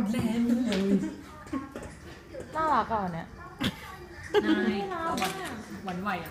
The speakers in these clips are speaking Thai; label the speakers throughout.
Speaker 1: แลนด์
Speaker 2: น่ารักก่อนเนี่ย
Speaker 1: นายหวานไหวอ่ะ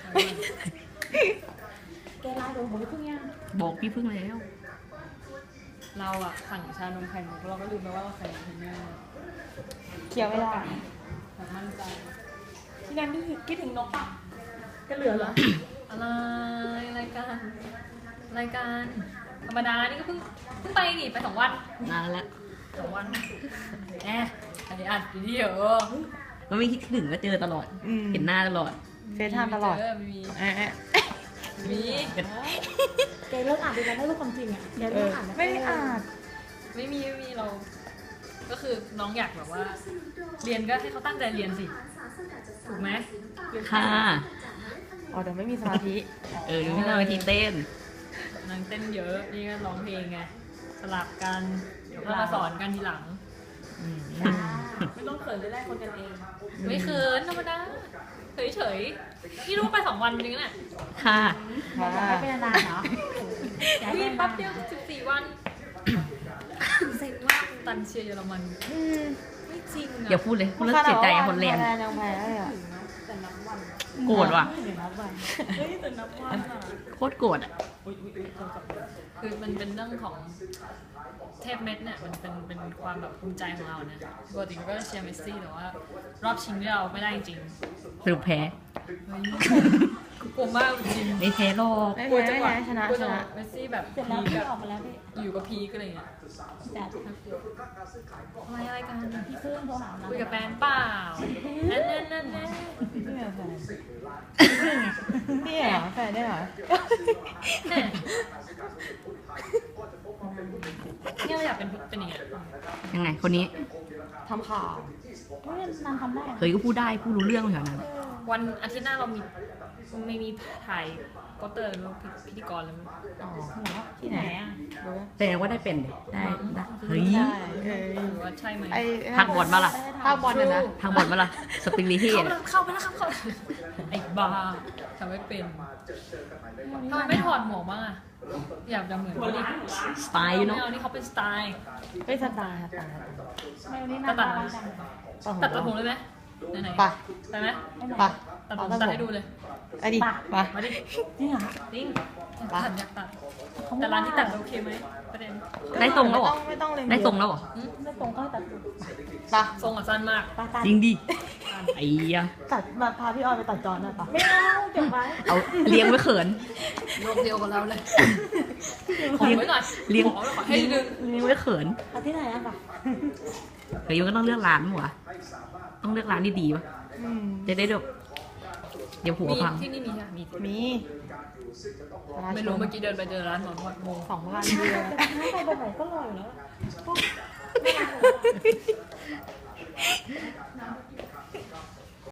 Speaker 3: แกไลน์โดนผมเพิ่งยัง
Speaker 4: บอกพี่พึ่งแล้ว
Speaker 1: เราอ่ะสั่งชานมไข่มุกเราก็ลืมไปว่าเราใส่นมเนย
Speaker 2: เคี้ยวไม่ได้
Speaker 1: แบบมั่นใจ
Speaker 3: ที่นั่นนี่คิดถึงนกปะก็เหลือเหรอ
Speaker 1: อะไรรายการธรรมดานี่ก็เพิ่งไปนี่ไป2 วัน
Speaker 4: นานแล้ว
Speaker 1: 2 วันอันนี้อัดวิดีโอ
Speaker 4: มันไม่คิดถึงก็เจอตลอด เห็นหน้าตลอด
Speaker 2: เฟซไทม์ตลอด
Speaker 1: มี
Speaker 2: มี
Speaker 3: แกเลิกอ่านดีกันได้รู้ความจริงอ่ะแกเลิกอ่าน
Speaker 2: ไม่ได้อ่าน
Speaker 1: ไม่มีเรา ก็คือน้องอยากแบบว่า เรียนก็ให้เขาตั้งใจเรียนสิถูกไหม
Speaker 4: ค่ะ
Speaker 2: อ๋อเดี๋ยวไม่มีสมาธิ
Speaker 4: เดี๋ยวพี่นาไปทีเต้น
Speaker 1: นางเต้นเยอะนี่ก็ร้องเพลงไงสลับกันเดี๋ยวก็มาสอนกันทีหลัง
Speaker 3: ไม่ต้องเขินจะได้คนกันเอง
Speaker 1: ไม่เขินธรรมดาเฉยๆนี่รู้ว่าไป2 วันจริงๆเนี่ย
Speaker 4: ค่ะ
Speaker 2: ค่ะ
Speaker 3: อยากให้เป็นนานๆเหรออยากให้
Speaker 1: วิ่
Speaker 3: เป็
Speaker 1: ง
Speaker 3: น
Speaker 1: แป๊
Speaker 3: นา
Speaker 1: บ
Speaker 3: น
Speaker 1: เดียว14 วันเซ็งมากตันเชียร์เยอรมัน
Speaker 2: อืม
Speaker 1: ไม่จริง
Speaker 4: อย่าพูดเลยพูดแล้วเสียใจอะคนแลนด์
Speaker 2: ยังแพ้เลยอ่ะ
Speaker 1: แต่นับวัน
Speaker 4: โกรธว่ะ
Speaker 3: เดี๋ยวนับวัน
Speaker 1: เฮ้ยแต่นับวันอ่ะ
Speaker 4: โคตรโกรธอ่ะ
Speaker 1: คือมันเป็นเรื่องของเทพเม็ดเนี่ยมันเป็นความแบบภูมิใจของเราเนี่ยปกติก็เชียร์เมสซี่แต่ว่ารอบชิงที่เราไม่ได้จริง
Speaker 4: สรุปแพ้
Speaker 1: กลัวมากจริง
Speaker 4: ไม่แพ้หรอก
Speaker 2: ไม่
Speaker 1: กลัว
Speaker 2: แพ้
Speaker 1: จัง
Speaker 2: ไม่
Speaker 1: หวะ
Speaker 2: แพ้ชนะ
Speaker 1: กลัว
Speaker 2: ช
Speaker 1: จังห
Speaker 2: นะ
Speaker 1: วะเมสซี่แบบ
Speaker 3: เสร็จแล้วพี่ออกมาแล้วพี่
Speaker 1: อยู่กับพีก็อะไรเงี้ย
Speaker 3: แต่
Speaker 1: อะไรกัน
Speaker 3: พี่เพิ่งโทรหาเรา
Speaker 1: คุยกับแฟนเปล่านั่น
Speaker 2: พี่เหรอแฟนพี่เหรอแฟนได้เหรอ
Speaker 1: เนี่ยเราอยากเป็นอย่างเงี้ย
Speaker 4: ยังไงคนนี้
Speaker 2: ทำข่าว
Speaker 3: ไม่นานทำได้
Speaker 4: เคยก็พูดได้พูดรู้เรื่องเหมือนกันนะ
Speaker 1: วันอาทิตย์หน้าเราไม่มีถ่ายโปสเตอร์แล้วพิธีกรเลยมั้ย
Speaker 2: อ๋อ
Speaker 3: เหรอที่ไหนอ่ะ
Speaker 2: รู้ไหม
Speaker 4: แสดงว่าได้เป็นดิได้เฮ้ย
Speaker 2: ใช่
Speaker 1: หรือว่าใช่ไหม
Speaker 2: ไอ้
Speaker 4: พักบอลมาล่ะ
Speaker 2: ภาคบอลน่ะนะ
Speaker 4: ทางบอลมาล่ะสปริงลีเฮีย
Speaker 1: เข้าไปแล้วครับเข้าไอ้บ้าทำไม่เป็นทำไมไม่ถอดหมวกบ้างอะอยากจะเหมือนเขาดิ
Speaker 4: สไตล์อยู่
Speaker 1: ไม่
Speaker 4: เนาะ
Speaker 1: เอานี่เขาเป็นสไตล์
Speaker 2: ไม่สไตล์ค่ะ
Speaker 3: ไม่วันนี้นานทำได้จัง
Speaker 1: ตัดผมเลยไหมไหนๆ
Speaker 2: ไป
Speaker 1: ไปไหม
Speaker 2: ไป
Speaker 1: ตัดผมตัดให้ดูเลย
Speaker 2: ไอ้ดิไป
Speaker 1: มาดิ
Speaker 3: จริงเหรอ
Speaker 1: จริงอยากตัดแต่ร้านที่ตัดโอเคไหมประเด็น
Speaker 4: ได้ทรงแล้วเหรอ
Speaker 2: ไม่ต้องเลย
Speaker 4: ได้ทรงแล้วเหรอ
Speaker 3: ไม่ตรงก็ตัด
Speaker 2: ไป
Speaker 1: ทรงอ่ะสั้นมาก
Speaker 3: ปาตัด
Speaker 4: จริงดิไอ้ยะ
Speaker 2: ตัดมาพาพี่ออยไปตัดจอนหน่อยปะ
Speaker 3: ไม่เอาเก็บไว้
Speaker 4: เอาเลี้ยงไว้เขิน
Speaker 1: โลกเดียวกับเราเลยขอไว้หน่อย
Speaker 4: เลี้ยง
Speaker 1: ขอให้ดึง
Speaker 4: เลี้ยงไว้เขิน
Speaker 3: เอาที่ไหนอ่ะปะ
Speaker 4: เฮ้ยมันก็ต้องเลือกร้านมั้งวะต้องเลือกร้านดีๆวะ
Speaker 2: อืม
Speaker 4: จะได้แบบเดี๋ยวหัว
Speaker 1: มี
Speaker 4: พัง
Speaker 1: ที่นี่มีใช่ไหมมี
Speaker 2: มี
Speaker 1: ไม่รู้เมื่อกี้เดินไปเจอร้านหมอนวดงง
Speaker 2: 2,000เดียว
Speaker 3: แต่ถ้าไปแบบไหนก็อร่อยแล้ว
Speaker 1: เ